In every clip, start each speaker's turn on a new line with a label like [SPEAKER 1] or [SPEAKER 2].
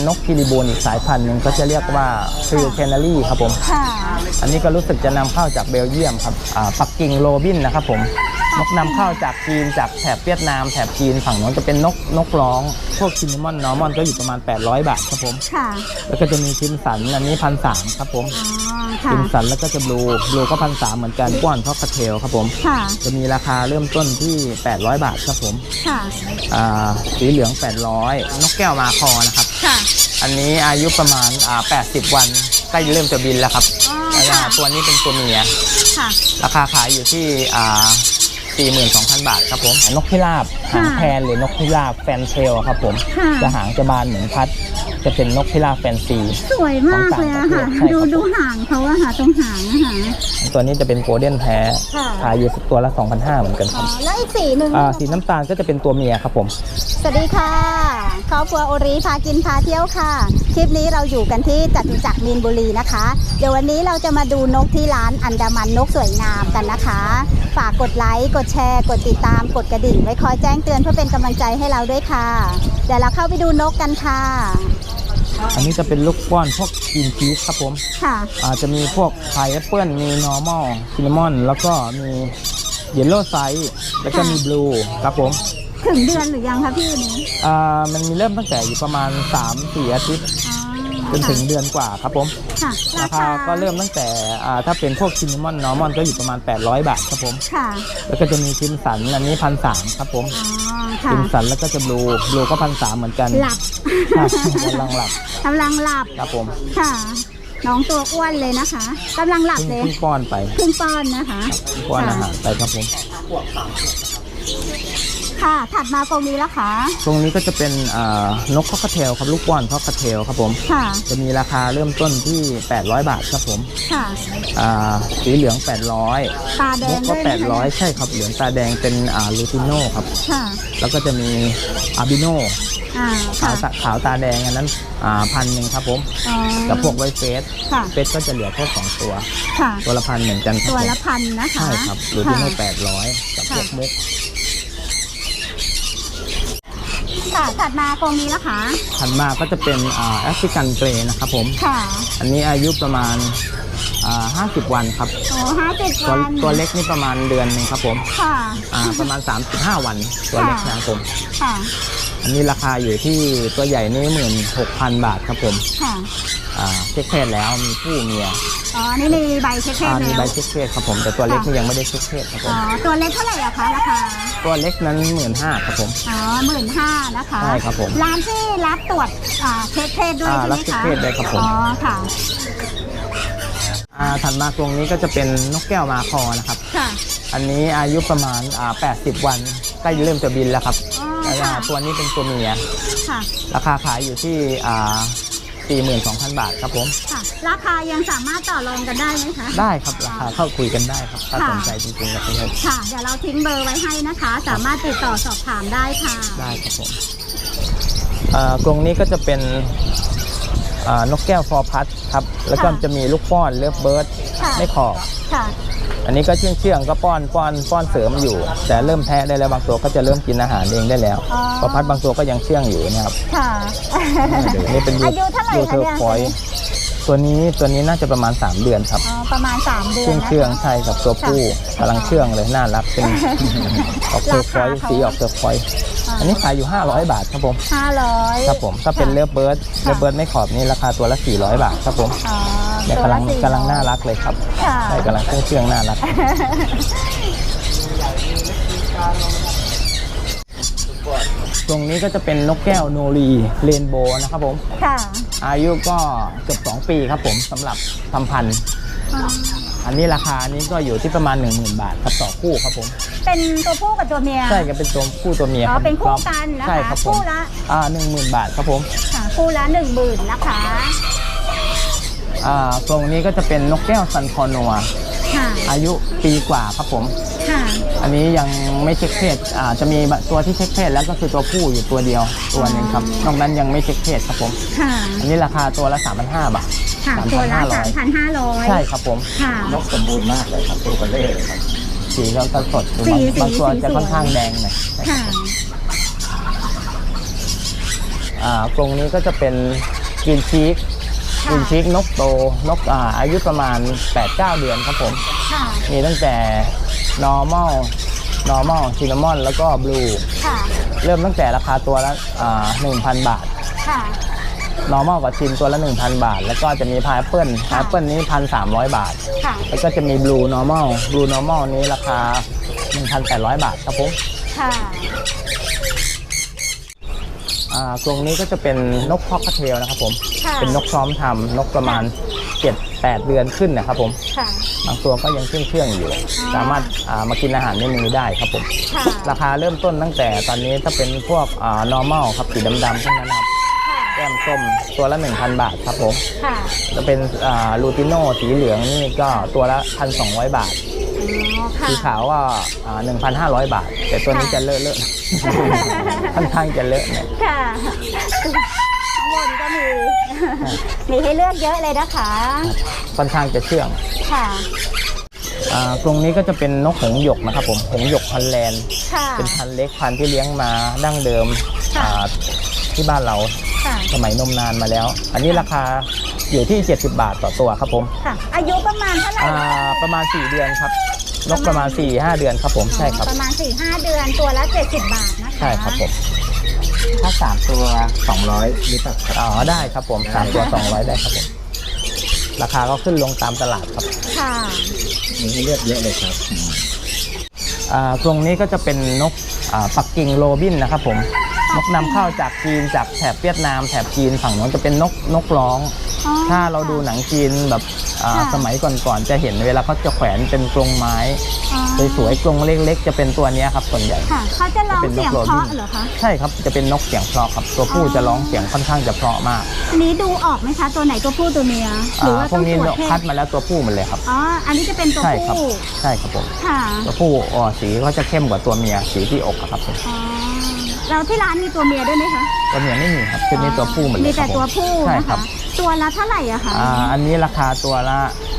[SPEAKER 1] นกคิริบูนอีกสายพันธุ์หนึ่งก็จะเรียกว่าฟิลแคนารีครับผมอันนี้ก็รู้สึกจะนำเข้าจากเบลเยียมครับปักกิ่งโรบินนะครับผมนกนำเข้าจากจีนจากแถบเวียดนามแถบจีนฝั่งโน้นจะเป็นนกร้องพวกซินนามอนนอร์มอนก็อยู่ประมาณ800 บาทครับผมแล้วก็จะมีคิมสันอันนี้1,300ครับผมคิมสันแล้วก็จะบลูก็1,300เหมือนกันก้อนท็อกคาเทลครับผมจะมีราคาเริ่มต้นที่800 บาทครับผมสีเหลือง800นกแก้วมาคอนะครับอันนี้อายุประมาณ80 วันใกล้เริ่มจะบินแล้วครับตัวนี้เป็นตัวเมียราคาขายอยู่ที่42,000 บาทครับผมนกพิราบหางแพนหรือนกพิราบแฟนเทลครับผมจะหางจะบานเหมือนพัดจะเป็นนกพิราบแฟนซี
[SPEAKER 2] สวยมากเลยอะค่ะดูหางเขาอะค่ะตรงหางนะคะ
[SPEAKER 1] ตัวนี้จะเป็นโกลเด้นแท้ขายอยู่ตัวละ 2,500 เหมือนกันครับ
[SPEAKER 2] แล้วอีกสีหนึ่ง
[SPEAKER 1] สีน้ำตาลก็จะเป็นตัวเมียครับผม
[SPEAKER 2] สวัสดีค่ะครอบครัวโอริพากินพาเที่ยวค่ะคลิปนี้เราอยู่กันที่จตุจักรมีนบุรีนะคะเดี๋ยววันนี้เราจะมาดูนกที่ร้านอันดามันนกสวยงามกันนะคะฝากกดไลค์กดแชร์กดติดตามกดกระดิ่งไว้คอยแจ้งเตือนเพื่อเป็นกำลังใจให้เราด้วยค่ะเดี๋ยวเราเข้าไปดูนกกันค่ะ
[SPEAKER 1] อันนี้จะเป็นลูกป้อนพวกกินชีสครับผมจะมีพวกพายแอปเปิลมีนอร์มอลซินนามอนแล้วก็มีเยลโล่ไซส์แล้วก็มีบลูครับผม
[SPEAKER 2] ถึงเดือนหรือยังคะพี่นี้
[SPEAKER 1] มันมีเริ่มตั้งแต่อยู่ประมาณ 3-4 อาทิตย์จนถึงเดือนกว่าครับผมราคาก็เริ่มตั้งแต่ถ้าเป็นพวกซินนามอนนอร์มอนก็อยู่ประมาณ800 บาทครับผมแล้วก็จะมีคิมสันอันนี้1,300ครับผมคิมสันแล้วก็จะบลูก็1,300เหมือนกัน
[SPEAKER 2] หลับ
[SPEAKER 1] กำลังหลับครับผม
[SPEAKER 2] ค่ะน้องตัวอ้วนเลยนะคะกำลังหลับเลย
[SPEAKER 1] เพิ่งป้อนไป
[SPEAKER 2] นะคะ
[SPEAKER 1] ป้อนอาหารไปครับผม
[SPEAKER 2] ค่ะถัดมาตรงนี้แล้วค่ะ
[SPEAKER 1] ตรงนี้ก็จะเป็นนกคอกเทลครับลูกป้อนคอกเทลครับผมจะมีราคาเริ่มต้นที่800 บาทครับผมสีเหลือง800
[SPEAKER 2] ตาแดง
[SPEAKER 1] ก็800ใช่ครับเหลืองตาแดงเป็นลูติโน่ครับแล้วก็จะมีอาบิโน่ขาวตาแดงอันนั้น1,000ครับผมกับพวกไวเฟสก็จะเหลือแค่2ตัวละ1,000เหมือนกัน
[SPEAKER 2] ตัวละ1,000นะคะ
[SPEAKER 1] ใช่ครับลูติโน่800กับพวกมุก
[SPEAKER 2] ถัดมาตรงนี้แล้วค่ะ
[SPEAKER 1] ถัดมาก็จะเป็นแอฟริกันเกรย์นะครับผมอันนี้อายุประมาณ50 วันครับ
[SPEAKER 2] 50 วัน
[SPEAKER 1] ตัวเล็กนี่ประมาณเดือนนึงครับผมประมาณ35 วันตัวเล็กนะครับผมอันนี้ราคาอยู่ที่ตัวใหญ่นี่16,000 บาทครับผมเช็คเพศแล้วมีผู้เมีย
[SPEAKER 2] นี่มีใบเช็คเพศแล้ว
[SPEAKER 1] มีใบเช็คเพศครับผมแต่ตัวเล็กนี่ยังไม่ได้เช็คเพศครับผม
[SPEAKER 2] ตัวเล็กเท่าไหร่อะคะราคา
[SPEAKER 1] ตัวเล็กนั้น15,000ครับผม
[SPEAKER 2] 15,000นะคะ
[SPEAKER 1] ใช่ครับผม
[SPEAKER 2] ร้านที่รับตรวจเช็คเพศด้วยใช่ไหมคะ
[SPEAKER 1] รับเช็คเพศได้ครับผม
[SPEAKER 2] ค่ะ
[SPEAKER 1] ถัดมาตรงนี้ก็จะเป็นนกแก้วมาคอนะครับอันนี้อายุประมาณ80 วันใกล้เริ่มจะบินแล้วครับตัวนี้เป็นตัวเมียราคาขายอยู่ที่42,000 บาทครับผม
[SPEAKER 2] ราคายังสามารถต่อรองกันได้ไหมคะ
[SPEAKER 1] ได้ครับราคาเข้าคุยกันได้ครับถ้าสนใจจริงๆครับพี่
[SPEAKER 2] ค่ะเดี๋ยวเราทิ้งเบอร์ไว้ให้นะคะสามารถติดต่อสอบถามได้ค่ะ
[SPEAKER 1] ได้ครับผมกรงนี้ก็จะเป็นนกแก้วฟอร์พัดครับแล้วก็จะมีลูกป้อนเลิฟเบิร์ดไม่ขอบอันนี้ก็เชื่องก็ป้อนเสริมอยู่แต่เริ่มแทะได้แล้วบางตัวก็จะเริ่มกินอาหารเองได้แล้วฟอร์พัดบางตัวก็ยังเชื่องอยู่นะครับนี่เป็น
[SPEAKER 2] อายุเท่าไหร่คะเนี่ย
[SPEAKER 1] ตัวนี้น่าจะประมาณ3 เดือนครับ
[SPEAKER 2] ประมาณ3 เดือน
[SPEAKER 1] เชื่องใช่กับตัวผู้กำลังเชื่องเลยน่ารักเป็นออกเทอร์ฟอยสีออกเทอร์ฟอยอันนี้ขายอยู่500 บาทครับผม
[SPEAKER 2] 500
[SPEAKER 1] ครับผมถ้าเป็นเลิฟเบิร์ดไม่ขอบนี่ราคาตัวละ400 บาทครับผมเนี่ยกำลังน่ารักเลยครับใช่กำลังเชื่องน่ารักตรงนี้ก็จะเป็นนกแก้วโนรีเรนโบว์นะครับผมอายุก็เกือบ2 ปีครับผมสำหรับทำพันธุ์อันนี้ราคานี้ก็อยู่ที่ประมาณ 10,000 บาทครับต่อคู่ครับผม
[SPEAKER 2] เป็นตัวผู้กับตัวเมีย
[SPEAKER 1] ใช่ก็เป็นตัวผู้ตัวเมีย
[SPEAKER 2] เป็นคู่กันนะคะ
[SPEAKER 1] ใช่ครับผม
[SPEAKER 2] คู่ละ
[SPEAKER 1] 10,000 บาทครับผม
[SPEAKER 2] คู่ละ10,000นะคะ
[SPEAKER 1] ตรงนี้ก็จะเป็นนกแก้วซันคอนัวอายุปีกว่าครับผมอันนี้ยังไม่เช็คเพศจะมีตัวที่เช็คเพศแล้วก็คือตัวผู้อยู่ตัวเดียวตัวนึงครับนอกนั้นยังไม่เช็คเพศครับผมอันนี้ราคาตัวละ 3,500 บาท
[SPEAKER 2] ตัวละ 3,500
[SPEAKER 1] ใช่ครับผมนกสมบูรณ์มากเลยครับตัวเบลเล่เลยครับสีก็สดบางตัวจะค่อนข้างแดงหน่อยกรงนี้ก็จะเป็นกรีนชีก
[SPEAKER 2] ค่ะ
[SPEAKER 1] กรีนชีกนกโตนกอายุประมาณ 8-9 เดือนครับผม
[SPEAKER 2] ค่ะ
[SPEAKER 1] มีตั้งแต่ normal cinnamon แล้วก็ blue
[SPEAKER 2] ค่ะ
[SPEAKER 1] เริ่มตั้งแต่ราคาตัวละ 1,000 บาท
[SPEAKER 2] ค่ะ
[SPEAKER 1] normal กับชินตัวละ 1,000 บาท แล้วก็จะมี pineapple นี้ 1,300 บาท
[SPEAKER 2] ค่ะ
[SPEAKER 1] แล้วก็จะมี blue normal นี้ราคา 1,800 บาทครับผม
[SPEAKER 2] ค่ะ
[SPEAKER 1] กรงนี้ก็จะเป็นนกคอกเทลนะครับผม
[SPEAKER 2] ค่ะ
[SPEAKER 1] เป็นนกพร้อมทำนกประมาณ 7-8 เดือนขึ้นนะครับผม
[SPEAKER 2] ค่ะ
[SPEAKER 1] บางตัวก็ยังเครื่องอยู่ สามารถมากินอาหารในมือได้ครับผม
[SPEAKER 2] ค่ะ
[SPEAKER 1] ราคาเริ่มต้นตั้งแต่ตอนนี้ถ้าเป็นพวกnormal ครับสีดำๆพวกนั้นนะครับ
[SPEAKER 2] ค่ะ
[SPEAKER 1] แก้มส้มตัวละ 1,000 บาทครับผม
[SPEAKER 2] ค่ะ
[SPEAKER 1] จะเป็นลูติโน่สีเหลืองนี่ก็ตัวละ 1,200 บาท
[SPEAKER 2] อ๋อ ค่ะ
[SPEAKER 1] สีขาวก็1,500 บาท แต่ตัวนี้
[SPEAKER 2] ค่ะ
[SPEAKER 1] จะเลอะๆ ค่อนข้างจะเลอะเนี่ย
[SPEAKER 2] ค่ะข้างบนก็มี มีให้เลือกเยอะเลยนะคะ
[SPEAKER 1] ค่อนข้างจะเชื่อง
[SPEAKER 2] ค่ะ
[SPEAKER 1] กรงนี้ก็จะเป็นนกหงส์หยกนะครับผมหงส์หยกฮอลแลนด์
[SPEAKER 2] ค่ะ
[SPEAKER 1] เป็นพันธุ์เล็กพันธุ์ที่เลี้ยงมาดั้งเดิม
[SPEAKER 2] ค่ะ
[SPEAKER 1] ที่บ้านเรา
[SPEAKER 2] ค่ะ
[SPEAKER 1] สมัยนมนานมาแล้ว อันนี้ราคาอยู่ที่ 70 บาทต่อตัวครับผม
[SPEAKER 2] ค่ะ อายุประมาณเท่าไหร่นะคะ
[SPEAKER 1] ประมาณ 4 เดือนครับ นกประมาณ 4-5 เดือนครับผม ใช่ครับ
[SPEAKER 2] ประมาณ 4-5 เดือนตัวละ 70 บาทนะคะ
[SPEAKER 1] ใช่ครับผม
[SPEAKER 3] ถ้า3ตัว200หรือเปล่าครับ
[SPEAKER 1] ได้ครับผม3ตัว200ได้ครับผม ราคาก็ขึ้นลงตามตลาดครับ
[SPEAKER 2] ค่ะ
[SPEAKER 3] มีให้เลือกเยอะเลยครับ
[SPEAKER 1] กรงนี้ก็จะเป็นนกปักกิ่งโรบินนะครับผม นกนำเข้าจากจีนจากแถบเวียดนามแถบจีนฝั่งนู้นจะเป็นนกร้อง
[SPEAKER 2] อ๋อ
[SPEAKER 1] ถ้าเราดูหนังจีนแบบ
[SPEAKER 2] ค่ะ
[SPEAKER 1] สมัยก่อนๆจะเห็นเวลาเขาจะแขวนเป็นกรงไม้
[SPEAKER 2] อ๋อ
[SPEAKER 1] สวยๆกรงเล็กๆจะเป็นตัวเนี้ยครับส่วนใหญ่
[SPEAKER 2] ค่ะ เขาจะร้องเสียงเพราะเหรอคะ
[SPEAKER 1] ใช่ครับจะเป็นนกเสียงเพราะครับตัวผู้จะร้องเสียงค่อนข้างจะเพราะมาก
[SPEAKER 2] อันนี้ดูออกไหมคะ ตัวไหนตัวผู้ตัวเมีย หรือว่า
[SPEAKER 1] พ
[SPEAKER 2] ต้
[SPEAKER 1] ว
[SPEAKER 2] อก ง
[SPEAKER 1] นี้
[SPEAKER 2] ตรวจเพ
[SPEAKER 1] คัด
[SPEAKER 2] ศ
[SPEAKER 1] มาแล้วตัวผู้หมันเลยครับ
[SPEAKER 2] อ๋อ อันนี้จะเป็นตัว
[SPEAKER 1] ใช่ครับ
[SPEAKER 2] ผู้
[SPEAKER 1] ใช่ครับผม
[SPEAKER 2] ค่ะ
[SPEAKER 1] ตัวผู้สีเขาจะเข้มกว่าตัวเมียสีที่อกอะครับผม
[SPEAKER 2] อ๋อ แล้วที่ร้านมีตัวเมียด้วยไหมคะ
[SPEAKER 1] ตัวเมียไม่มีครับชุดนี้ตัวผู้หมดเลย
[SPEAKER 2] มีแต่
[SPEAKER 1] ครับผม
[SPEAKER 2] ตัวผู้
[SPEAKER 1] ใช่
[SPEAKER 2] นะ
[SPEAKER 1] ครั
[SPEAKER 2] คะ
[SPEAKER 1] บ
[SPEAKER 2] ตัวละเท่าไหร่อะคะ
[SPEAKER 1] อันนี้ราคาตัวละ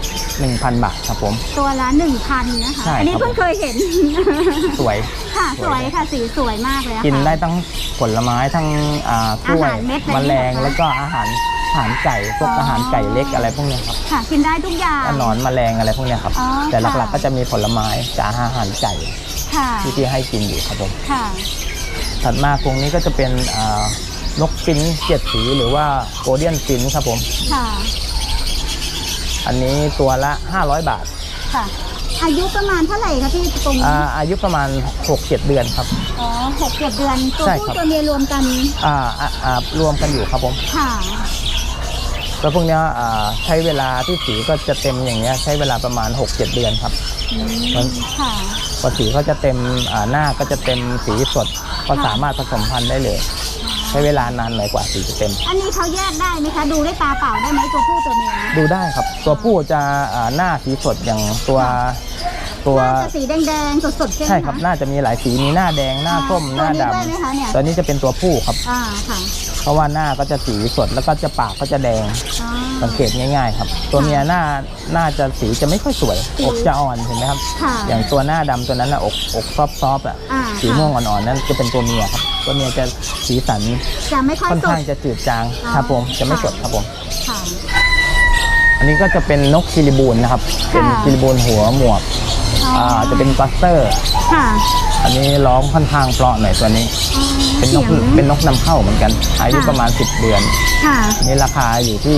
[SPEAKER 1] 1,000 บาทครับผม
[SPEAKER 2] ตัวละ 1,000นะคะ
[SPEAKER 1] ใช่
[SPEAKER 2] อันนี้
[SPEAKER 1] ครับ
[SPEAKER 2] เพิ่งเคยเห็น
[SPEAKER 1] สวย
[SPEAKER 2] ค่ะ สวยค่ะ สีสวยมากเลยอะค่ะ
[SPEAKER 1] กินได้ทั้งผลไม้ทั้งกล้วย
[SPEAKER 2] อาหารเม็ดอะไร
[SPEAKER 1] แมลง
[SPEAKER 2] เนี่ยเหรอคะ
[SPEAKER 1] แล้วก็อาหารไก่พวกอาหารไก่เล็กอะไรพวกเนี้ยครับ
[SPEAKER 2] ค่ะ กินได้ทุกอย่าง
[SPEAKER 1] หนอนแมลงอะไรพวกเนี้ยครับ
[SPEAKER 2] อ๋อ
[SPEAKER 1] แต่หลัก
[SPEAKER 2] ค่ะ
[SPEAKER 1] ๆก็จะมีผลไม้กับอาหารไก่
[SPEAKER 2] ค่ะ
[SPEAKER 1] ที่ให้กินอยู่ครับผม
[SPEAKER 2] ค่ะ
[SPEAKER 1] ถัดมากรงนี้ก็จะเป็นนกฟินช์7 สีหรือว่าโกลเด้นฟินช์ครับผม
[SPEAKER 2] ค่ะ
[SPEAKER 1] อันนี้ตัวละ 500 บาท
[SPEAKER 2] ค่ะ อายุประมาณเท่าไหร่คะพี่ตรงนี้
[SPEAKER 1] อายุประมาณ 6-7 เดือนครับ
[SPEAKER 2] อ๋อ6-7 เดือน ตัว
[SPEAKER 1] ใช่
[SPEAKER 2] ผู้
[SPEAKER 1] ครับ
[SPEAKER 2] ตัวเมียรวมกัน
[SPEAKER 1] รวมกันอยู่ครับผม
[SPEAKER 2] ค่ะ
[SPEAKER 1] แล้วพวกเนี้ยใช้เวลาที่สีก็จะเต็มอย่างเงี้ยใช้เวลาประมาณ 6-7 เดือนครับ มัน
[SPEAKER 2] ค่ะ
[SPEAKER 1] พอสีเขาจะเต็มหน้าก็จะเต็มสีสดก็สามารถผสมพันธุ์ได้เลย ใช้เวลานานหน่อยกว่าสีจะเต็ม
[SPEAKER 2] อันนี้เขาแยกได้ไหมคะ ดูด้วยตาเปล่าได้ไหมตัวผู้ตัวเมีย
[SPEAKER 1] ดูได้ครับ ตัวผู้จะหน้าสีสดอย่างตัว
[SPEAKER 2] น่าจะสีแดงๆสดๆใช่ไหม
[SPEAKER 1] ใช่ครับ
[SPEAKER 2] คะ
[SPEAKER 1] น่าจะมีหลายสีมีหน้าแดงหน้าส้มหน้าด
[SPEAKER 2] ตัวนี้ด้วยไหมคะเนี่ย
[SPEAKER 1] ำตัวนี้จะเป็นตัวผู้ครับ
[SPEAKER 2] ค่ะ
[SPEAKER 1] เพราะว่าหน้าก็จะสีสดแล้วก็จะปากก็จะแดง
[SPEAKER 2] อ๋อ
[SPEAKER 1] สังเกตง่ายๆครับ ตัวเมียหน้าจะสีจะไม่ค่อยสวย
[SPEAKER 2] สี
[SPEAKER 1] อกจะอ่อนเห็นไหมครับ
[SPEAKER 2] ค่ะ
[SPEAKER 1] อย่างตัวหน้าดำตัวนั้นอกซอฟๆอ่ะ สีม่วงอ่อนๆนั่นจะเป็นตัวเมียครับ ตัวเมียจะสีสัน
[SPEAKER 2] จะไม่ค่อย
[SPEAKER 1] ค่อน
[SPEAKER 2] สด
[SPEAKER 1] ข้างจะจืดจาง
[SPEAKER 2] อ๋อ
[SPEAKER 1] ครับผมจะไม่
[SPEAKER 2] ค่ะ
[SPEAKER 1] สดครับผม
[SPEAKER 2] ค่ะ
[SPEAKER 1] อันนี้ก็จะเป็นนกคิริบูนนะครับ เป็น
[SPEAKER 2] ค่ะ
[SPEAKER 1] คิริบูนหัวหมวก จะเป็นกัสเตอร์
[SPEAKER 2] ค่ะ
[SPEAKER 1] อันนี้ร้องค่อนข้างเพราะหน่อยตัวนี้
[SPEAKER 2] อ๋อ
[SPEAKER 1] เป็นนก
[SPEAKER 2] สียง
[SPEAKER 1] เป็นนกนำเข้าเหมือนกัน อายุ
[SPEAKER 2] ค่ะ
[SPEAKER 1] ประมาณ 10 เดือน
[SPEAKER 2] ค่ะ
[SPEAKER 1] อันนี้ราคาอยู่ที่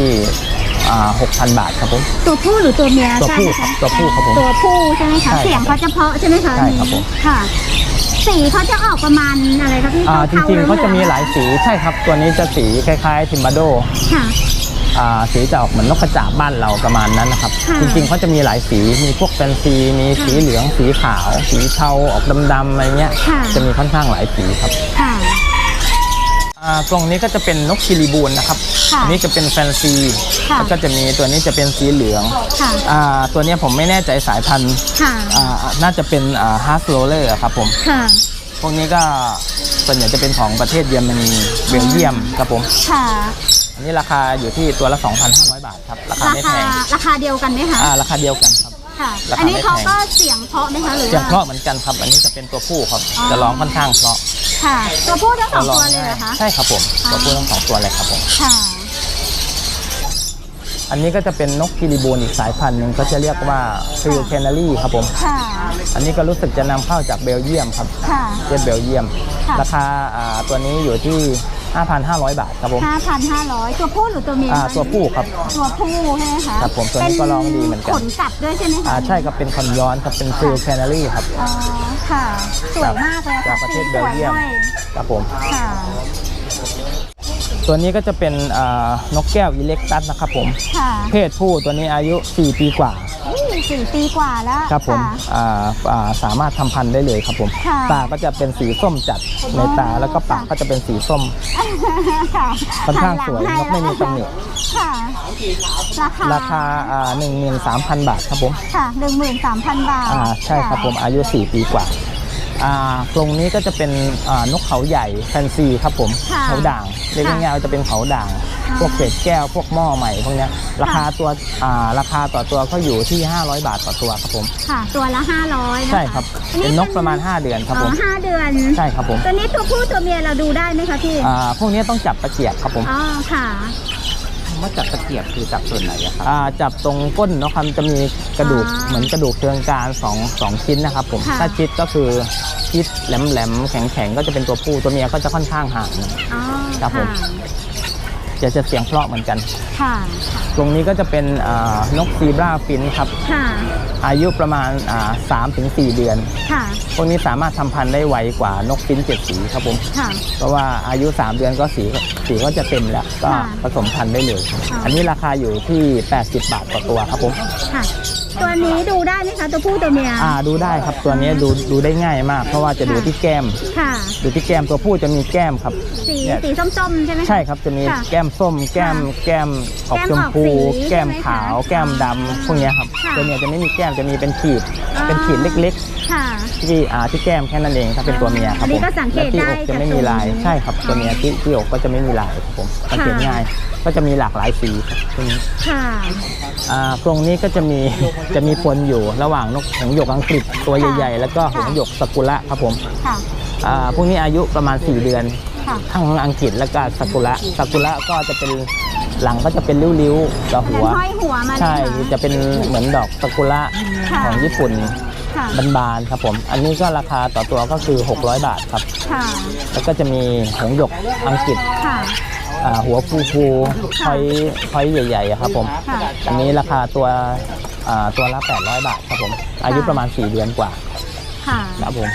[SPEAKER 1] 6,000 บาทครับผม
[SPEAKER 2] ตัวผู้หรือตัวเมีย
[SPEAKER 1] ตัวผู้
[SPEAKER 2] ทาไหมะ
[SPEAKER 1] ครับตัวผู้ครับผม
[SPEAKER 2] ตัวผู้ใช่ไหมคะ
[SPEAKER 1] ใช่ครับ
[SPEAKER 2] เสียงเขาจะเพราะใช่ไหมคะ
[SPEAKER 1] ใช่ครับผม
[SPEAKER 2] ค่ะ สีเขาจะออกประมาณอะไรคะพี่
[SPEAKER 1] จริงๆเขาจะมีหลายสีใช่ครับ ตัวนี้จะสีคล้ายๆทิมบาโด
[SPEAKER 2] ค่ะ
[SPEAKER 1] สีจะออกเหมือนนกกระจาบบ้านเราประมาณนั้นนะครับ
[SPEAKER 2] ค่ะ
[SPEAKER 1] จริงๆเขาจะมีหลายสีมีพวกแฟนซีมีสีเหลืองสีขาว สีเทาออกดำๆอะไรเงี้ย
[SPEAKER 2] ค่ะ
[SPEAKER 1] จะมีค่อนข้างหลายสีครับ
[SPEAKER 2] ค่ะ
[SPEAKER 1] กรงนี้ก็จะเป็นนกคิริบูนนะครับ
[SPEAKER 2] ค่ะ
[SPEAKER 1] อันนี้จะเป็นแฟนซี
[SPEAKER 2] ค่ะ
[SPEAKER 1] แล้วก็จะมีตัวนี้จะเป็นสีเหลือง
[SPEAKER 2] ค่ะ
[SPEAKER 1] ตัวเนี้ยผมไม่แน่ใจสายพันธุ์
[SPEAKER 2] ค่ะ
[SPEAKER 1] น่าจะเป็นฮาร์สโรเลอร์ครับผม
[SPEAKER 2] ค่ะ
[SPEAKER 1] พวกนี้ก็ส่วนใหญ่จะเป็นของประเทศเยอรมนีเบลเยียมครับผม
[SPEAKER 2] ค่ะ
[SPEAKER 1] อันนี้ราคาอยู่ที่ตัวละ 2,500 บาทครับราคาไม่แพง
[SPEAKER 2] ราคาเดียวกันไหมคะ
[SPEAKER 1] ราคาเดียวกันครับ
[SPEAKER 2] ค่ะ
[SPEAKER 1] ราคา
[SPEAKER 2] อันนี้เขา
[SPEAKER 1] ไม่แพง
[SPEAKER 2] ก็เสียงเพราะไหมคะหรือ
[SPEAKER 1] เสียง
[SPEAKER 2] ว่า
[SPEAKER 1] เพราะเหมือนกันครับ อันนี้จะเป็นตัวผู้ครับ
[SPEAKER 2] อ๋อ
[SPEAKER 1] จะร้องค่อนข้างเพราะ
[SPEAKER 2] ค่ะ ตัวผู้ทั้งสอง
[SPEAKER 1] ร้
[SPEAKER 2] ตัวเลยเหรอคะ
[SPEAKER 1] ใช่ครับผมตัวผู้ทั้งสองตัวเลยครับผม
[SPEAKER 2] ค่ะ
[SPEAKER 1] อันนี้ก็จะเป็นนกกิริบูนอีกสายพันธุ์หนึ่งก็จะเรียกว่าฟิลแคนารีครับผม
[SPEAKER 2] ค่ะ
[SPEAKER 1] อันนี้ก็รู้สึกจะนำเข้าจากเบลเยียมครับ
[SPEAKER 2] ค่ะ
[SPEAKER 1] เจ็ดเบลเยียม
[SPEAKER 2] ค่ะ
[SPEAKER 1] ราคาตัวนี้อยู่ที่ 5,500 บาทครับผม
[SPEAKER 2] 5,500ตัวผู้หรือตัวเมียคะ
[SPEAKER 1] ตัวผู้ครับ
[SPEAKER 2] ตัวผู้ใช่ไหมคะ
[SPEAKER 1] ครับผมตัวนี้ก็ร้องดีเหมือนกัน
[SPEAKER 2] ขนกลับด้วยใช่ไหมคะ
[SPEAKER 1] ใช่ครับเป็นคอนย้อนครับเป็นฟิลแคนารีครับ
[SPEAKER 2] อ๋อค่ะสวยมากเลย
[SPEAKER 1] จา
[SPEAKER 2] ค่ะ
[SPEAKER 1] กประเทศเบลเยียม
[SPEAKER 2] สวยด้วย
[SPEAKER 1] ครับผม
[SPEAKER 2] ค่ะ
[SPEAKER 1] ตัวนี้ก็จะเป็นนกแก้วอิเล็กตัสนะครับผม
[SPEAKER 2] ค่ะ
[SPEAKER 1] เพศผู้ตัวนี้อายุ 4 ปีกว่า
[SPEAKER 2] 4 ปีกว่าแล้ว
[SPEAKER 1] ครับผม
[SPEAKER 2] ะ
[SPEAKER 1] สามารถทำพันธุ์ได้เลยครับผม
[SPEAKER 2] ค่ะ
[SPEAKER 1] ตาก็จะเป็นสีส้มจัดในตาแล้วก็ปากก็จะเป็นสีส้ม
[SPEAKER 2] ค่ะ
[SPEAKER 1] ค่อนข้างสวย
[SPEAKER 2] หั
[SPEAKER 1] นกไม่มีตำหนิ
[SPEAKER 2] ค่ะ
[SPEAKER 1] ราคา13,000 บาทครับผม
[SPEAKER 2] ค่ะ 13,000 บาท
[SPEAKER 1] ใช่ครับผมอายุ 4 ปีกว่ากรงนี้ก็จะเป็นนกเขาใหญ่แฟนซีครับผม
[SPEAKER 2] ค่ะ
[SPEAKER 1] เขาด่างเรียกง่ายๆจะเป็นเขาด่าง
[SPEAKER 2] ค่ะ
[SPEAKER 1] พวกเศษแก้วพวกหม้อใหม่พวกเนี้ยราคาตัวราคาต่อตัวก็อยู่ที่500 บาทต่อตัวครับผม
[SPEAKER 2] ค่ะ ตัวละ500นะคะ
[SPEAKER 1] ใช่ครับเป็นนกประมาณ5 เดือนครับผม
[SPEAKER 2] 5 เดือน
[SPEAKER 1] ใช่ครับผม
[SPEAKER 2] ตัวนี้ตัวผู้ตัวเมียเราดูได้ไหมคะพี่
[SPEAKER 1] พวกนี้ต้องจับตะเกียบครับผม
[SPEAKER 2] อ๋อค่ะ
[SPEAKER 3] ว่าจับตะเกียบคือจับส่วนไหนอะครับ
[SPEAKER 1] จับตรงก้นเนาะครับจะมีกระดูก
[SPEAKER 2] อ๋อ
[SPEAKER 1] เหมือนกระดูกเชิงกราน2ชิ้นนะครับผม
[SPEAKER 2] ค่ะ
[SPEAKER 1] ถ้าชิดก็คือชิดแหลมๆแข็งๆก็จะเป็นตัวผู้ตัวเมียก็จะค่อนข้างห่าง
[SPEAKER 2] อ๋อ
[SPEAKER 1] ครับผม จะเสียงเพราะเหมือนกัน
[SPEAKER 2] ค่ะ
[SPEAKER 1] ตรงนี้ก็จะเป็นนกซีบราฟินครับ
[SPEAKER 2] ค่ะ
[SPEAKER 1] อายุประมาณ3-4 เดือน
[SPEAKER 2] ค่ะ
[SPEAKER 1] พวกนี้สามารถทำพันธุ์ได้ไวกว่านกฟิน7 สีครับผม
[SPEAKER 2] ค่ะ
[SPEAKER 1] เพราะว่าอายุ3 เดือนก็สีก็จะเต็มแล้วก็
[SPEAKER 2] ค่ะ
[SPEAKER 1] ผสมพันธุ์ได้เลย
[SPEAKER 2] ค่ะ
[SPEAKER 1] อันนี้ราคาอยู่ที่80 บาทต่อตัวครับผม
[SPEAKER 2] ค่ะ ตัวนี้ดูได้ไหมคะตัวผู้ตัวเมีย
[SPEAKER 1] ดูได้ครับตัวนี้ดูได้ง่ายมาก เพราะว่าจะดูที่แก้ม
[SPEAKER 2] ค่ะ
[SPEAKER 1] ดูที่แก้มตัวผู้จะมีแก้มครับ
[SPEAKER 2] สี
[SPEAKER 1] เนี่ย
[SPEAKER 2] สีส้มๆใช่ไหมคะ
[SPEAKER 1] ใช่ครับจะมี
[SPEAKER 2] ค่ะ
[SPEAKER 1] แก้มส้มแก้มออกชมพู
[SPEAKER 2] แก้มออกสี
[SPEAKER 1] แก้มขาว
[SPEAKER 2] ใช่ไหมคะ
[SPEAKER 1] แก้มดำพวกเนี้ยครับ
[SPEAKER 2] ค่ะ
[SPEAKER 1] ตัวเนี้ยจะไม่มีแก้มจะมีเป็นขีด
[SPEAKER 2] อ๋อ
[SPEAKER 1] เป็นขีดเล็ก
[SPEAKER 2] ค่ะ
[SPEAKER 1] ๆที่แก้มแค่นั้นเองถ้าเป็นตัวเมียครับ
[SPEAKER 2] อันนี้
[SPEAKER 1] ผม
[SPEAKER 2] ก็สังเกต
[SPEAKER 1] และที่อกจะไม่มีลาย
[SPEAKER 2] ได้จากตรงนี้
[SPEAKER 1] ใช่ครับตัวเมียที่อกก็จะไม่มีลายครับผมสังเกตง่าย ก็จะมีหลากหลายสีครับตัวนี้
[SPEAKER 2] ค่ะ
[SPEAKER 1] กรงนี้ก็จะมีปนอยู่ระหว่างนกหงส์หยกอังกฤษตัวใหญ่ๆ แล้วก็หงส์หยกสกุระครับผม
[SPEAKER 2] ค่ะ
[SPEAKER 1] พวกนี้อายุประมาณ4 เดือน
[SPEAKER 2] ค่ะ
[SPEAKER 1] ทั้งอังกฤษแล้วก็สกุระก็จะเป็นหลังก็จะเป็นริ้วๆกับหัว
[SPEAKER 2] แล้วห้อยหัวมาเลย
[SPEAKER 1] ใช่
[SPEAKER 2] ค่ะ
[SPEAKER 1] จะเป็นเหมือนดอกสกุระ
[SPEAKER 2] ค่ะ
[SPEAKER 1] ของญี่ปุ่น
[SPEAKER 2] ค่ะ
[SPEAKER 1] บานๆครับผม อันนี้ก็ราคาต่อตัวก็คือ600 บาทครับ
[SPEAKER 2] ค่ะ
[SPEAKER 1] แล้วก็จะมีหงส์หยกอังกฤษ
[SPEAKER 2] ค่ะ
[SPEAKER 1] หัวฟูๆพอยใหญ่ๆอะครับผม
[SPEAKER 2] ค่ะ
[SPEAKER 1] อันนี้ราคาตัวละ800 บาทครับผม อายุประมาณ4 เดือนกว่า
[SPEAKER 2] ค่ะ
[SPEAKER 1] ครับผม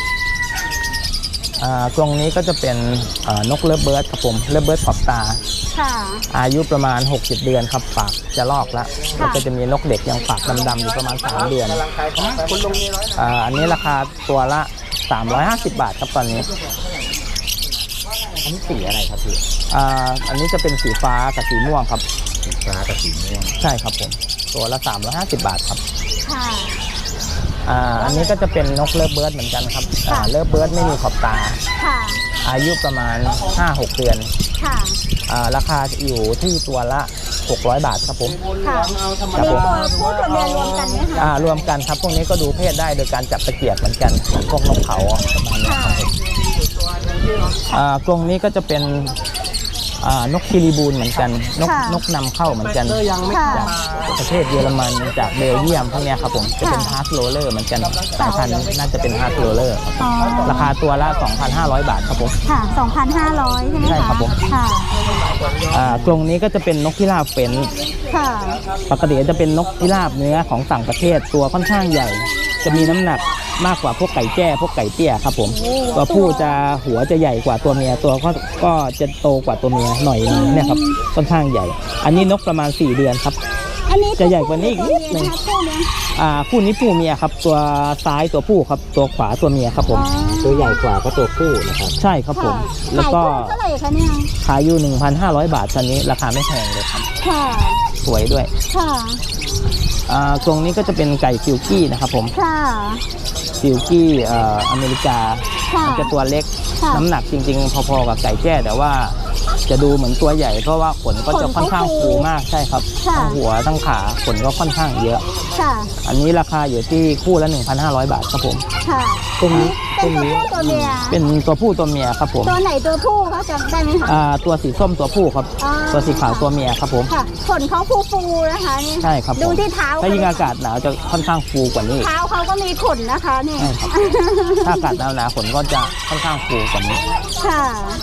[SPEAKER 1] กรงนี้ก็จะเป็นนกเลิฟเบิร์ดครับผมเลิฟเบิร์ดขอบตา
[SPEAKER 2] ค่ะ
[SPEAKER 1] อายุประมาณ60 เดือนครับปากจะลอกแล้ว
[SPEAKER 2] ค่ะ
[SPEAKER 1] แล้วก็จะมีนกเด็กยังปากดำๆอยู่ประมาณ3 เดือนอันนี้ราคาตัวละ350 บาทครับตอนนี้
[SPEAKER 3] อันนี้สีอะไรครับพี่
[SPEAKER 1] อันนี้จะเป็นสีฟ้ากับสีม่วงครับ
[SPEAKER 3] สีฟ้ากับสีม่วง
[SPEAKER 1] ใช่ครับผมตัวละ350 บาทครับ
[SPEAKER 2] ค่ะ
[SPEAKER 1] อันนี้ก็จะเป็นนกเลิฟเบิร์ดเหมือนกันครับ
[SPEAKER 2] ค่ะ
[SPEAKER 1] เลิฟเบิร์ดไม่มีขอบตา
[SPEAKER 2] ค่ะ
[SPEAKER 1] อายุประมาณ 5-6 เดือน
[SPEAKER 2] ค่ะ
[SPEAKER 1] ราคาอยู่ที่ตัวละ600 บาทครับผม
[SPEAKER 2] ค่ะ
[SPEAKER 1] ครั
[SPEAKER 2] มี
[SPEAKER 1] บผม
[SPEAKER 2] ตัวผู้ตัวเมียรวมกันไหมคะ
[SPEAKER 1] รวมกันครับพวกนี้ก็ดูเพศได้โดยการจับตะเกียบเหมือนกันเหมือนพวกนกเขาประมาณนี้
[SPEAKER 2] ค่ะ
[SPEAKER 1] ครับกรงนี้ก็จะเป็นนกคิริบูนเหมือนกันนกนำเข้าเหมือนกัน
[SPEAKER 2] ค่ะ
[SPEAKER 1] จากประเทศเยอรมันจากเบลเยียมพวกเนี้ยครับผมจะเป็นฮาร์ดโรเลอร์เหมือนกันสายพันธุ์น่าจะเป็นฮาร์ดโรเลอร์
[SPEAKER 2] อ๋อ
[SPEAKER 1] ราคาตัวละ 2,500 บาทครับผม
[SPEAKER 2] ค่ะ 2,500 ใช่ไหมคะ
[SPEAKER 1] ใช่ครับผม
[SPEAKER 2] ค่ะ
[SPEAKER 1] กรงนี้ก็จะเป็นนกพิราบเฟ้น
[SPEAKER 2] ค่ะ
[SPEAKER 1] ปกติจะเป็นนกพิราบเนื้อของต่างประเทศตัวค่อนข้างใหญ่ จะมีน้ำหนักมากกว่าพวกไก่แจ้พวกไก่เตี้ยครับผมตัวผู้จะหัวจะใหญ่กว่าตัวเมียตัวก็จะโตกว่าตัวเมียหน่อยนึงเนี่ยครับค่อนข้างใหญ่ อันนี้นกประมาณ4 เดือนครับ
[SPEAKER 2] อันนี้
[SPEAKER 1] จะใหญ่กว่านี้อีกนิดนึง
[SPEAKER 2] คู่เมีย
[SPEAKER 1] คู่นี้ผู้เมียครับตัวซ้ายตัวผู้ครับตัวขวาตัวเมียครับผม
[SPEAKER 3] ตัวใหญ่กว่าก็ตัวผู้นะครับ
[SPEAKER 1] ใช่ครับผม
[SPEAKER 2] ค่ะ
[SPEAKER 1] แล้วก็
[SPEAKER 2] ขายคู่เท่าไหร่คะเนี่ย
[SPEAKER 1] ขายอยู่ 1,500 บาทตอนนี้ราคาไม่แพงเลยครับ
[SPEAKER 2] ค่ะ
[SPEAKER 1] สวยด้วย
[SPEAKER 2] ค่ะ
[SPEAKER 1] กรงนี้ก็จะเป็นไก่ซิลกี้นะครับผม
[SPEAKER 2] ค่ะ
[SPEAKER 1] ซิลกี้อเมริกา
[SPEAKER 2] ค่ะ
[SPEAKER 1] มันจะตัวเล็ก
[SPEAKER 2] ค่ะ
[SPEAKER 1] น้ำหนักจริงๆ พอๆกับไก่แจ้แต่ว่าจะดูเหมือนตัวใหญ่เพราะว่าขนก็จะค่อนข้างฟูมากใช่ครับ
[SPEAKER 2] ค่ะ
[SPEAKER 1] ทั้งหัวทั้งขาขนก็ค่อนข้างเยอะ
[SPEAKER 2] ค่ะ
[SPEAKER 1] อันนี้ราคาอยู่ที่คู่ละ 1,500 บาทครับผม
[SPEAKER 2] ค่ะ
[SPEAKER 1] ตรงนี้
[SPEAKER 2] เป็นตัวผู้ตัวเมีย
[SPEAKER 1] เป็นตัวผู้ตัวเมียครับผม
[SPEAKER 2] ตัวไหนตัวผู้เขาจำได้ไหมคะ
[SPEAKER 1] ตัวสีส้มตัวผู้ครับ
[SPEAKER 2] อ๋อ
[SPEAKER 1] ตัวสีขาวตัวเมียครับผม
[SPEAKER 2] ค่ะขนเขาฟูๆนะคะนี่
[SPEAKER 1] ใช่ครับผม
[SPEAKER 2] ดูที่เท้า
[SPEAKER 1] ถ้ายิ่งอากาศหนาวจะค่อนข้างฟูกว่านี้
[SPEAKER 2] เท้าเขาก็มีขนนะคะนี่
[SPEAKER 1] ใช่ครับ ถ้าอากาศหนาวๆขนก็จะค่อนข้างฟูกว่านี้
[SPEAKER 2] ค่ะ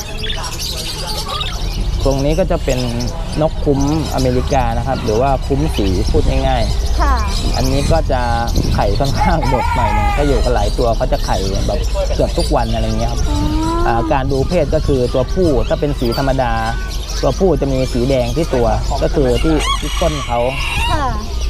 [SPEAKER 1] ตรงนี้ก็จะเป็นนกคุ้มอเมริกานะครับ หรือว่าคุ้มสีพูดง่าย
[SPEAKER 2] ค่ะ
[SPEAKER 1] ๆ อันนี้ก็จะไข่ค่อนข้างดกหน่อยหนึงก็อยู่กันหลายตัวเขาจะไข่แบบเกือบทุกวันอะไรเงี้ยครับการดูเพศก็คือตัวผู้ถ้าเป็นสีธรรมดา ตัวผู้จะมีสีแดงที่ตัวก็คือที่ก้นเขา
[SPEAKER 2] ค่ะ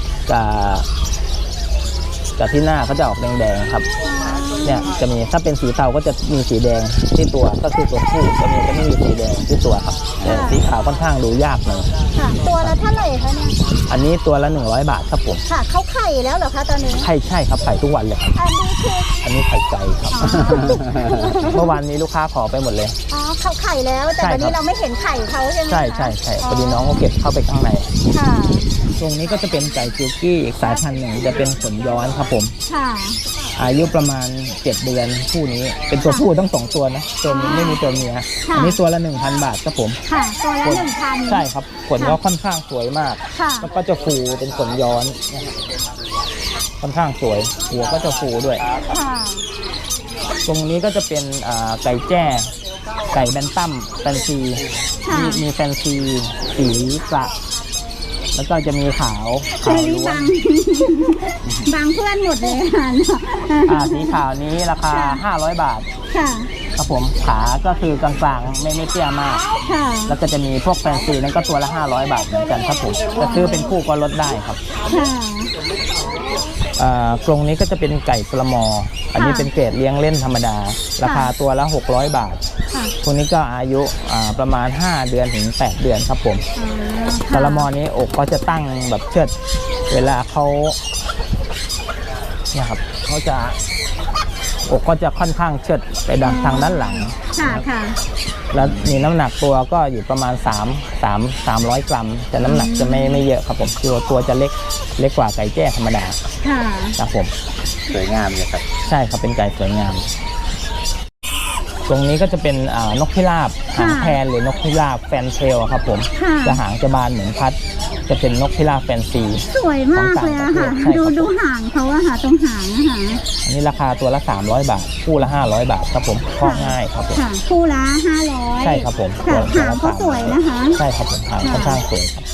[SPEAKER 1] กับที่หน้าเขาจะออกแดงๆครับเนี่ยจะมีถ้าเป็นสีเทาก็จะมีสีแดงที่ตัวก็คือตัวผู้จะไม่มีสีแดงที่ตัวครับแต่สีขาวค่อนข้างดูยากหน่อย
[SPEAKER 2] ค่ะ ตัวละเท่าไหร่คะเนี่ย
[SPEAKER 1] อันนี้ตัวละ100 บาทครับผม
[SPEAKER 2] ค่ะเขาไข่แล้วเหรอคะตอนนี้
[SPEAKER 1] ไข่ใช่ครับไข่ทุกวันเลยครับ
[SPEAKER 2] อันนี้คือ
[SPEAKER 1] อันนี้ไข่ไก่ครับ
[SPEAKER 2] อ๋อ
[SPEAKER 1] เมื่อวานนี้ลูกค้าขอไปหมดเลย
[SPEAKER 2] อ๋อเขาไข่แล้วแต่
[SPEAKER 1] ใช่
[SPEAKER 2] วันนี้
[SPEAKER 1] ครับ
[SPEAKER 2] เราไม่เห็นไข่เขาใช่ไหมคะ
[SPEAKER 1] ใช่พอดีน้องเขาเก็บเข้าไปข้างใน
[SPEAKER 2] ค่ะ
[SPEAKER 1] ตรงนี้ก็จะเป็นไก่จิวกี้อีกสายพันธุ์หนึ่งจะเป็นขนย้อนครับผม
[SPEAKER 2] ค่ะ
[SPEAKER 1] อายุประมาณ7 เดือนคู่นี้เป็นตัวผู้ทั้ง2ตัวนะตัวนี้ไม่มีตัวเมียอันนี้ตัวละ 1,000 บาทครับผม
[SPEAKER 2] ค่ะ ตัวละ1,000
[SPEAKER 1] ใช่ครับขนก็ค่อนข้างสวยมาก
[SPEAKER 2] ค่ะ
[SPEAKER 1] แล้วก็จะฟูเป็นขนย้อนนะครับค่อนข้างสวยหัวก็จะฟูด้วย
[SPEAKER 2] ค่ะ
[SPEAKER 1] ตรงนี้ก็จะเป็นไก่แจ้ไก่แบนตัมแฟนซี
[SPEAKER 2] ค่ะ
[SPEAKER 1] มีแฟนซีสีกระแล้วก็จะมีขาว
[SPEAKER 2] เฮ้ย
[SPEAKER 1] ล้วน
[SPEAKER 2] บางเพื่อนหมดเลยค่ะ
[SPEAKER 1] สีขาวนี้ราคา500 บาท
[SPEAKER 2] ค่ะ
[SPEAKER 1] ครับผมขาก็คือกลางๆไม่เตี้ยมาก
[SPEAKER 2] ค่ะ
[SPEAKER 1] แล้วก็จะมีพวกแฟนซีนั้นก็ตัวละ500 บาทเหมือนกันครับผมจะซื้อเป็นคู่ก็ลดได้ครับ
[SPEAKER 2] ค่ะ
[SPEAKER 1] กรงนี้ก็จะเป็นไก่ปลาหมอ อันนี้เป็นเกรดเลี้ยงเล่นธรรมดา ราคาตัวละ600 บาท
[SPEAKER 2] ค่ะ
[SPEAKER 1] พวกนี้ก็อายุประมาณ5 เดือนถึง8 เดือนครับผม ปลาหมอนี้อกก็จะตั้งแบบเชิดเวลาเขาเนี่ยครับเขาจะอกก็จะค่อนข้างเชิดไปทางด้านหลัง
[SPEAKER 2] ค่ะค่ะ
[SPEAKER 1] แล้วมีน้ำหนักตัวก็อยู่ประมาณ300 กรัม แต่น้ำหนักจะไม่เยอะครับผมตัวจะเล็กกว่าไก่แจ้ธรรมดา
[SPEAKER 2] ค่ะ
[SPEAKER 1] ครับผม
[SPEAKER 3] สวยงามเลยครับ
[SPEAKER 1] ใช่ครับเป็นไก่สวยงาม ตรงนี้ก็จะเป็นนกพิราบหางแพนหรือนกพิราบแฟนเทลครับผม
[SPEAKER 2] ค่ะ
[SPEAKER 1] จะหางจะบานเหมือนพัด จะเป็นนกพิราบแฟนซี
[SPEAKER 2] สวยมากเลยอะค่ะ
[SPEAKER 1] ของต่างประเทศใช่ครับ
[SPEAKER 2] ดูหางเขาอะค่ะตรงหางอะค่ะ
[SPEAKER 1] อันนี้ราคาตัวละ300 บาท คู่ละ500 บาทครับผมคลอดง่ายครับผม
[SPEAKER 2] ค่ะคู่ละ500
[SPEAKER 1] ใช่ครับผม
[SPEAKER 2] ค่ะ
[SPEAKER 1] ตัว
[SPEAKER 2] หาง
[SPEAKER 1] ละ
[SPEAKER 2] เขาสวยนะคะ
[SPEAKER 1] ใช่ครับผมหางค่อนข้างสวยครับ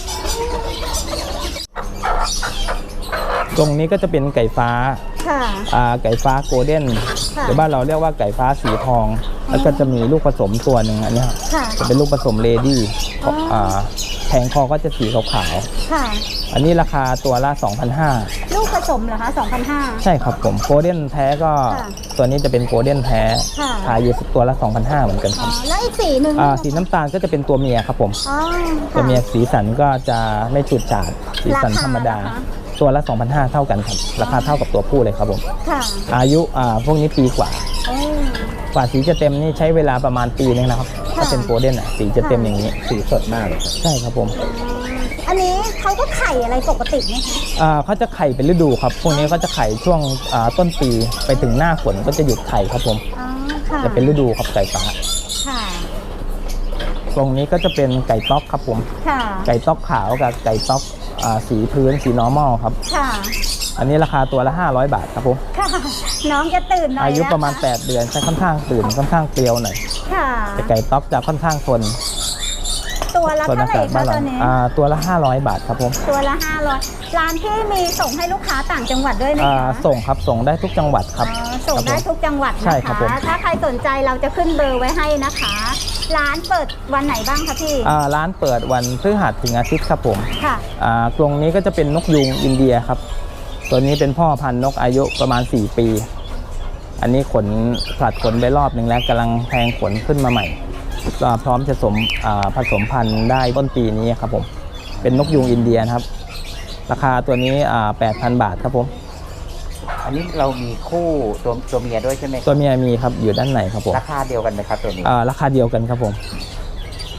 [SPEAKER 1] ตรงนี้ก็จะเป็นไก่ฟ้า
[SPEAKER 2] ค่ะ
[SPEAKER 1] ไก่ฟ้าโกลเด้น
[SPEAKER 2] ค่ะ
[SPEAKER 1] หรือบ้านเราเรียกว่าไก่ฟ้าสีทอง แล้วก็จะมีลูกผสมตัวหนึ่งอันเนี้ย
[SPEAKER 2] ค่ะ
[SPEAKER 1] จะเป็นลูกผสมเลดี้
[SPEAKER 2] อ๋อ
[SPEAKER 1] แผงคอก็จะสีขาว
[SPEAKER 2] ค่ะ
[SPEAKER 1] ๆอันนี้ราคาตัวละ 2,500
[SPEAKER 2] ลูกผสมเหรอคะ2,500
[SPEAKER 1] ใช่ครับผมโกลเด้นแท้ก็
[SPEAKER 2] ค่ะ
[SPEAKER 1] ตัวนี้จะเป็นโกลเด้นแท้
[SPEAKER 2] ค่ะ
[SPEAKER 1] ขายอยู่ตัวละ 2,500 เหมือนกันค
[SPEAKER 2] อ๋
[SPEAKER 1] รั
[SPEAKER 2] อบ แล้วอีกสีหนึ่ง
[SPEAKER 1] สีน้ำตาลก็จะเป็นตัวเมียครับผม
[SPEAKER 2] อ๋อ
[SPEAKER 1] ตัวเมียสีสันก็จะไม่จุดจาดสีสัน
[SPEAKER 2] ราคา
[SPEAKER 1] ธรรมดา
[SPEAKER 2] ล่ะคะ
[SPEAKER 1] ตัวละ 2,500 เท่ากันครับราคาเท่ากับตัวผู้เลยครับผม
[SPEAKER 2] ค่ะ
[SPEAKER 1] อายุพวกนี้ปีกว่า
[SPEAKER 2] โอ้
[SPEAKER 1] กว่าสีจะเต็มนี่ใช้เวลาประมาณปีนึงนะครับ
[SPEAKER 2] ค่ะ
[SPEAKER 1] ถ้าเป็นโกลเด้นสีจะเต็มอย่างนี้
[SPEAKER 3] สีสดมากเลยครับ
[SPEAKER 1] ใช่ครับผม
[SPEAKER 2] อันนี้เขาก็ไข่อะไรปกติไหมคะ
[SPEAKER 1] เขาจะไข่เป็นฤดูครับ พวกนี้ก็จะไข่ช่วงต้นปีไปถึงหน้าฝนก็จะหยุดไข่ครับผม
[SPEAKER 2] อ๋อ ค่ะ
[SPEAKER 1] จะเป็นฤดูครับไก่ฟ้า
[SPEAKER 2] ค่ะ
[SPEAKER 1] ตรงนี้ก็จะเป็นไก่ต๊อกครับผม
[SPEAKER 2] ค่ะ
[SPEAKER 1] ไก่ต๊อกขาวกับไก่ต๊อกสีพื้นสี normal ครับ
[SPEAKER 2] ค่ะ
[SPEAKER 1] อันนี้ราคาตัวละ500 บาทครับผม
[SPEAKER 2] ค่ะ น้องจะตื่นหน่อย
[SPEAKER 1] อายุประมาณ
[SPEAKER 2] นค
[SPEAKER 1] 8 เดือนใช้ค่อนข้างตื่นค่อนข้างเปรียวหน่อย
[SPEAKER 2] ค่ะ
[SPEAKER 1] แต่ไก่ต๊อกจะค่อนข้างทน
[SPEAKER 2] ตัวละ
[SPEAKER 1] ทน
[SPEAKER 2] เท่า
[SPEAKER 1] อา
[SPEAKER 2] ไหร่
[SPEAKER 1] กาศ
[SPEAKER 2] คะ
[SPEAKER 1] บ้าน
[SPEAKER 2] ตั
[SPEAKER 1] เรา
[SPEAKER 2] วนี้
[SPEAKER 1] ตัวละ500 บาทครับผม
[SPEAKER 2] ตัวละ500ร้านที่มีส่งให้ลูกค้าต่างจังหวัดด้วยไหมคะ
[SPEAKER 1] ส่งครับส่งได้ทุกจังหวัดครับ
[SPEAKER 2] อ๋อส่งได้ทุกจังหวัด
[SPEAKER 1] ใช่
[SPEAKER 2] นะ
[SPEAKER 1] ครั
[SPEAKER 2] คะ
[SPEAKER 1] บผม
[SPEAKER 2] ถ้าใครสนใจเราจะขึ้นเบอร์ไว้ให้นะคะ ร้านเปิดวันไหนบ้างคะพี่
[SPEAKER 1] ร้านเปิดวันพฤหัสถึงอาทิตย์ครับผม
[SPEAKER 2] ค่ะ
[SPEAKER 1] กรงนี้ก็จะเป็นนกยูงอินเดียครับ ตัวนี้เป็นพ่อพันธุ์นกอายุประมาณ4 ปี อันนี้ขนผลัดขนไปรอบหนึ่งแล้วกำลังแทงขนขึ้นมาใหม่ก็พร้อมจะผสมพันธุ์ได้ต้นปีนี้ครับผมเป็นนกยูงอินเดียนะครับ ราคาตัวนี้8,000 บาทครับผม
[SPEAKER 3] อันนี้เรามีคู่ตัวเมียด้วยใช่ไหมครับ
[SPEAKER 1] ตัวเมียมีครับอยู่ด้านในครับผม
[SPEAKER 3] ราคาเดียวกันไหมครับตัวนี้
[SPEAKER 1] ราคาเดียวกันครับผม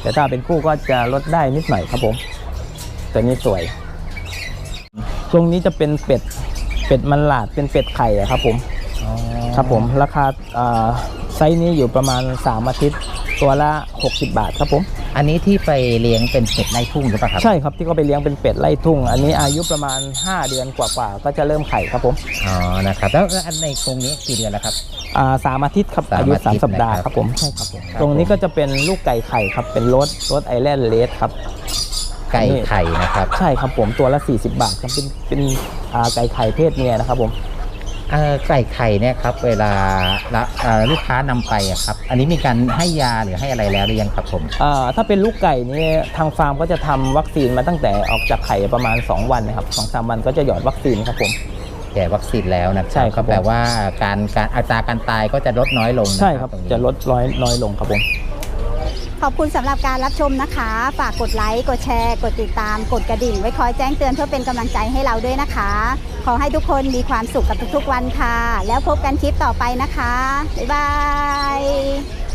[SPEAKER 1] แต่ถ้าเป็นคู่ก็จะลดได้นิดหน่อยครับผมตัวนี้สวยช่วงนี้จะเป็นเป็ดมันหลาดเป็นเป็ดไข่อะครับผมครับผมราคาไซส์นี้อยู่ประมาณ3 อาทิตย์ตัวละ60 บาทครับผม
[SPEAKER 3] อันนี้ที่ไปเลี้ยงเป็นเป็ดไล่ทุ่งหรือเปล่าครับ
[SPEAKER 1] ใช่ครับที่เขาไปเลี้ยงเป็นเป็ดไล่ทุ่งอันนี้อายุประมาณ5 เดือนกว่าๆก็จะเริ่มไข่ครับผม
[SPEAKER 3] อ๋อนะครับแล้วอันในกรงนี้กี่เดือนแล้วครับ
[SPEAKER 1] 3 อาทิตย์ครับ
[SPEAKER 3] 3
[SPEAKER 1] อายุ
[SPEAKER 3] อาทิตย์
[SPEAKER 1] 3 สัปดาห์
[SPEAKER 3] นะครับ
[SPEAKER 1] ครับผมใช่ครับผม
[SPEAKER 3] ครับ
[SPEAKER 1] ตรงนี้ก็จะเป็นลูกไก่ไข่ครับเป็นรสไอแลนด์เลสครับ
[SPEAKER 3] ไก่ไข่นะครับ
[SPEAKER 1] ใช่ครับผมตัวละ40 บาทครับเป็นไก่ไข่เพศเมียนะครับผม
[SPEAKER 3] ไก่ไข่เนี่ยครับเวลาลูกค้านำไปอะครับอันนี้มีการให้ยาหรือให้อะไรแล้วหรือยังครับผม
[SPEAKER 1] ถ้าเป็นลูกไก่นี่ทางฟาร์มก็จะทำวัคซีนมาตั้งแต่ออกจากไข่ประมาณ2 วันนะครับ2-3 วันก็จะหยอดวัคซีนครับผม
[SPEAKER 3] แก่วัคซีนแล้วนะ
[SPEAKER 1] ใช่ครับ
[SPEAKER 3] ก็แปลว่าการอัตราการตายก็จะลดน้อยลงนะ
[SPEAKER 1] ใช่ครับ
[SPEAKER 3] ตงนี้
[SPEAKER 1] จะลดน้อยลงครับผม
[SPEAKER 2] ขอบคุณสำหรับการรับชมนะคะ ฝากกดไลค์ กดแชร์ กดติดตาม กดกระดิ่ง ไว้คอยแจ้งเตือนเพื่อเป็นกำลังใจให้เราด้วยนะคะ ขอให้ทุกคนมีความสุขกับทุกๆวันค่ะ แล้วพบกันคลิปต่อไปนะคะ บ๊ายบาย